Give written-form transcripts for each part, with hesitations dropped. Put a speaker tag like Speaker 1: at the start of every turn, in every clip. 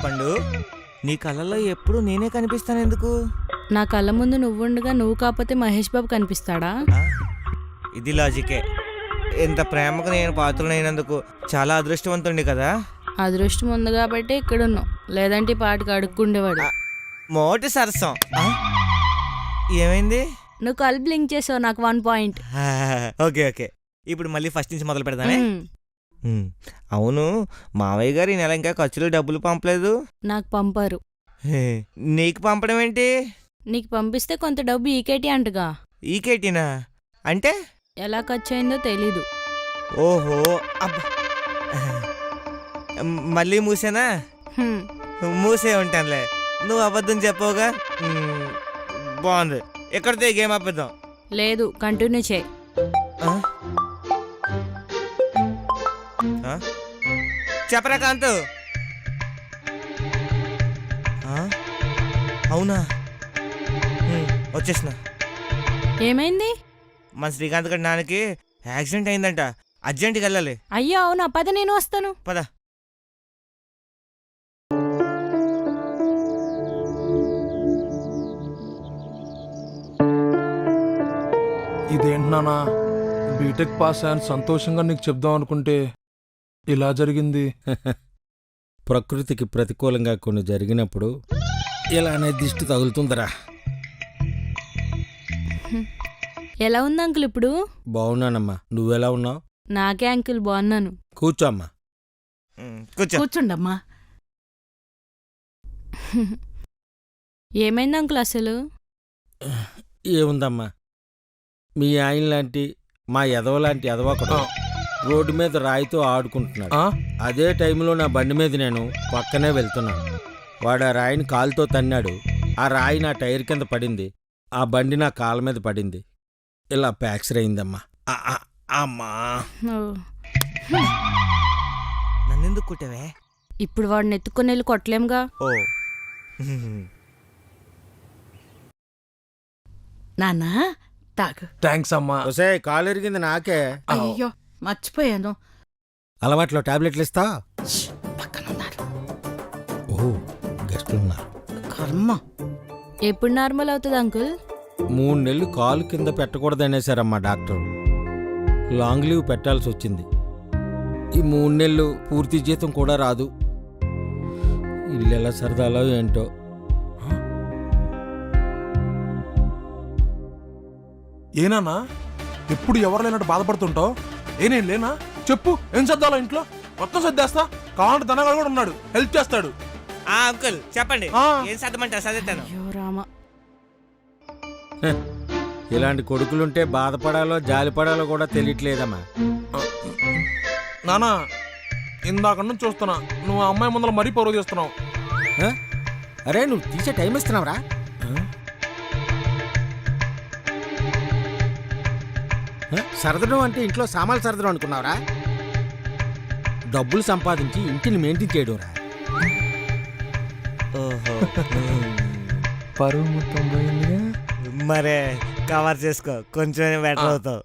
Speaker 1: పండు, నీ కళ్ళలో ఎప్పుడు నేనే కనిపిస్తాను ఎందుకు?
Speaker 2: నా కళ్ళ ముందు నువ్వుండగా నువ్వు కాకపోతే మహేష్ బాబు కనిపిస్తాడా?
Speaker 1: ఆ, ఇది లాజికే. ఇంత ప్రేమకు నేను పాత్రనైనందుకు చాలా అదృష్టవంతుండి కదా.
Speaker 2: అదృష్టం ఉంది కాబట్టి ఇక్కడున్నావు, లేదంటే ఈ పాటికి అడుక్కుండేవాడు.
Speaker 1: మోటి సరసం. ఏమైంది?
Speaker 2: నువ్వు కళ్ళు బ్లింక్ చేసావు, నాకు 1 పాయింట్.
Speaker 1: ఓకే ఓకే, ఇప్పుడు మళ్ళీ ఫస్ట్ నుంచి మొదలు పెడదానే. అవును, మావయ్య గారు ఈ నెల ఇంకా ఖర్చులు డబ్బులు పంపలేదు.
Speaker 2: నాకు పంపారు.
Speaker 1: నీకు పంపడం ఏంటి?
Speaker 2: నీకు పంపిస్తే కొంత డబ్బు ఈకేటీ అంటగా.
Speaker 1: ఈకేటీనా అంటే?
Speaker 2: ఎలా ఖర్చు అయిందో తెలీదు.
Speaker 1: ఓహో, అబ్బా, మళ్ళీ మూసేనా? మూసే ఉంటానులే, నువ్వు అబద్ధం చెప్పవుగా. బాగుంది, ఎక్కడితో ఈ గేమ్ ఆపేద్దాం.
Speaker 2: లేదు, కంటిన్యూ చేయి.
Speaker 1: చెప్పరా కాంతు. అవునా, వచ్చేసిన.
Speaker 2: ఏమైంది?
Speaker 1: మన శ్రీకాంత్ గడి నాన్నకి యాక్సిడెంట్ అయిందంట, అర్జెంట్కి వెళ్ళాలి.
Speaker 2: అయ్యో అవునా, పద నేను వస్తాను.
Speaker 1: పద.
Speaker 3: ఇదేంటి నానా, బీటెక్ పాస్ అయ్యాను సంతోషంగా నీకు చెప్దాం అనుకుంటే ఇలా జరిగింది.
Speaker 4: ప్రకృతికి ప్రతికూలంగా కొన్ని జరిగినప్పుడు ఇలానే దిష్టి తగులుతుందిరా.
Speaker 2: ఎలా ఉంది అంకుల్ ఇప్పుడు?
Speaker 4: బాగున్నానమ్మా, నువ్వెలా ఉన్నావు?
Speaker 2: నాకే అంకుల్ బాగున్నాను.
Speaker 4: కూర్చో అమ్మా.
Speaker 1: కూర్చో.
Speaker 5: కూర్చోండమ్మా.
Speaker 2: ఏమైంది అంకుల్ అసలు?
Speaker 4: ఏముందమ్మా, మీ ఆయన లాంటి మా ఎదవలాంటి ఎదవొకడు రోడ్డు మీద రాయితో ఆడుకుంటున్నాడు. అదే టైంలో నా బండి మీద నేను పక్కనే వెళ్తున్నాను. వాడు ఆ రాయిని కాలుతో తన్నాడు. ఆ రాయి నా టైర్ కింద పడింది. ఆ బండి నా కాళ్ళ మీద పడింది. ఇలా ప్యాక్చర్ అయిందమ్మా. అమ్మా,
Speaker 1: నన్నెందుకు కుట్టావే?
Speaker 2: ఇప్పుడు వాడిని ఎత్తుకొని వెళ్ళి కొట్టలేముగా.
Speaker 1: ఓ,
Speaker 5: నాన్నా తాగు.
Speaker 3: థ్యాంక్స్ అమ్మా.
Speaker 4: ఒసే, కాలు ఎరిగింది నాకే.
Speaker 5: అయ్యో మర్చిపోయాను.
Speaker 4: అలవాట్లో టాబ్లెట్లు ఇస్తా.
Speaker 5: పక్కనున్నారు.
Speaker 4: ఓ, గెస్టులున్నారు.
Speaker 5: కర్మ.
Speaker 2: ఎప్పుడు నార్మల్ అవుతుంది అంకుల్?
Speaker 4: 3 నెలలు కాలు కింద పెట్టకూడదనేసారమ్మా డాక్టర్. లాంగ్ లీవ్ పెట్టాల్సి వచ్చింది. ఈ 3 నెలలు పూర్తి జీతం కూడా రాదు. ఇల్లు ఎలా సరదాలో ఏంటో.
Speaker 3: ఏనానా, ఎప్పుడు ఎవరు లేనట్టు బాధపడుతుంటావు? ఏనేం లేనా? చెప్పు, ఏం సర్దాలో ఇంట్లో? మొత్తం సర్దేస్తా. కావాలంటే ధనగాడు కూడా ఉన్నాడు, హెల్ప్ చేస్తాడు.
Speaker 1: అంకుల్ చెప్పండి, ఏం సర్దమంటారు? సర్దేస్తాను.
Speaker 2: అయ్యో రామా,
Speaker 4: ఇలాంటి కొడుకులుంటే బాధపడాలో జాలిపడాలో కూడా తెలియట్లేదమ్మా.
Speaker 3: నానా, ఇందాక నుంచి చూస్తున్నా, నువ్వు ఆ అమ్మాయి ముందర మరీ పరువు చేస్తున్నావు.
Speaker 4: అరే, నువ్వు తీసే టైం ఇస్తున్నావురా? సరదడం అంటే ఇంట్లో సామాన్లు సరదడం అనుకున్నావురా? డబ్బులు సంపాదించి ఇంటిని మెయింటైన్ చేయడం రా.
Speaker 1: ఓహో,
Speaker 3: పరువు మొత్తం పోయిందిగా.
Speaker 1: మరే కవర్ చేసుకో, కొంచెం బెటర్ అవుతావు.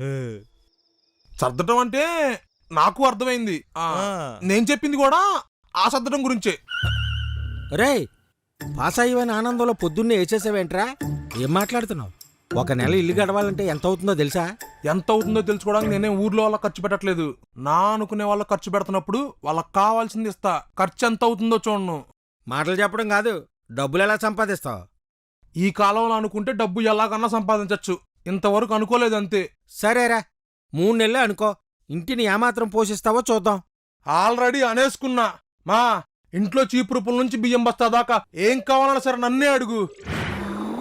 Speaker 3: సర్దటం అంటే నాకు అర్థమైంది. నేను చెప్పింది కూడా ఆ సర్దటం గురించే.
Speaker 4: రే, పాస్ అయ్యవని ఆనందంలో పొద్దున్నే వేసేసావేంట్రా? ఏం మాట్లాడుతున్నావు? 1 నెల ఇల్లు గడవాలంటే ఎంత అవుతుందో తెలుసా?
Speaker 3: ఎంత అవుతుందో తెలుసుకోవడానికి నేనే ఊర్లో వాళ్ళకి ఖర్చు పెట్టట్లేదు. నా అనుకునే వాళ్ళకి ఖర్చు పెడుతున్నప్పుడు వాళ్ళకి కావాల్సింది ఇస్తా. ఖర్చు ఎంత అవుతుందో చూడను.
Speaker 4: మాటలు చెప్పడం కాదు, డబ్బులు ఎలా సంపాదిస్తావు?
Speaker 3: ఈ కాలంలో అనుకుంటే డబ్బు ఎలాగన్నా సంపాదించచ్చు. ఇంతవరకు అనుకోలేదు అంతే.
Speaker 4: సరేరా, 3 నెలలే అనుకో. ఇంటిని ఏమాత్రం పోషిస్తావో చూద్దాం.
Speaker 3: ఆల్రెడీ అనేసుకున్నా. మా ఇంట్లో చీపురుపుల నుంచి బియ్యం బస్తా దాకా ఏం కావాలన్నా సరే నన్నే అడుగు.